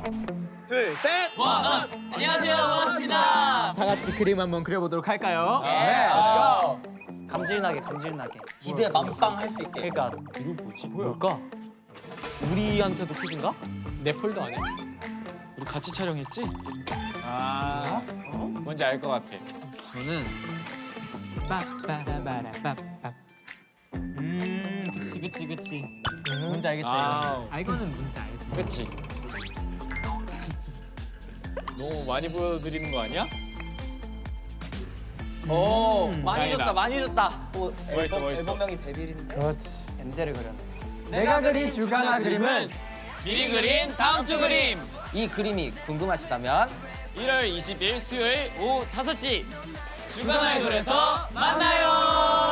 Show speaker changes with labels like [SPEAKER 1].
[SPEAKER 1] 둘, 셋.
[SPEAKER 2] 원어스! 안녕하세요, 원어스입니다.
[SPEAKER 1] 다 같이 그림 한번 그려보도록 할까요?
[SPEAKER 2] 네,
[SPEAKER 1] let's go.
[SPEAKER 2] 감질나게, 감질나게.
[SPEAKER 3] 기대 만빵 할 수 있게.
[SPEAKER 2] 그러니까
[SPEAKER 1] 이거 뭐지?
[SPEAKER 2] 뭘까? 우리한테도 퀴즈인가?
[SPEAKER 4] 내 폴더 아니야? 우리 같이 촬영했지? 아, 뭔지 알 것 같아.
[SPEAKER 1] 저는 빠빠라바라빠빠. 그치. 뭔지 알겠다. 이거는 뭔지 알지.
[SPEAKER 4] 그치? 너무 많이 보여드리는 거 아니야?
[SPEAKER 2] 오, 많이
[SPEAKER 4] 다행이다.
[SPEAKER 2] 줬다, 많이 줬다.
[SPEAKER 4] 멋있어.
[SPEAKER 3] 앨범명이 데빌인데.
[SPEAKER 1] 그렇지.
[SPEAKER 2] 엔젤을 그렸네.
[SPEAKER 1] 내가 그린 주간화 그림은
[SPEAKER 4] 미리 그린 다음 주 그림!
[SPEAKER 3] 이 그림이 궁금하시다면
[SPEAKER 4] 1월 20일 수요일 오후 5시 주간아이돌에서 만나요!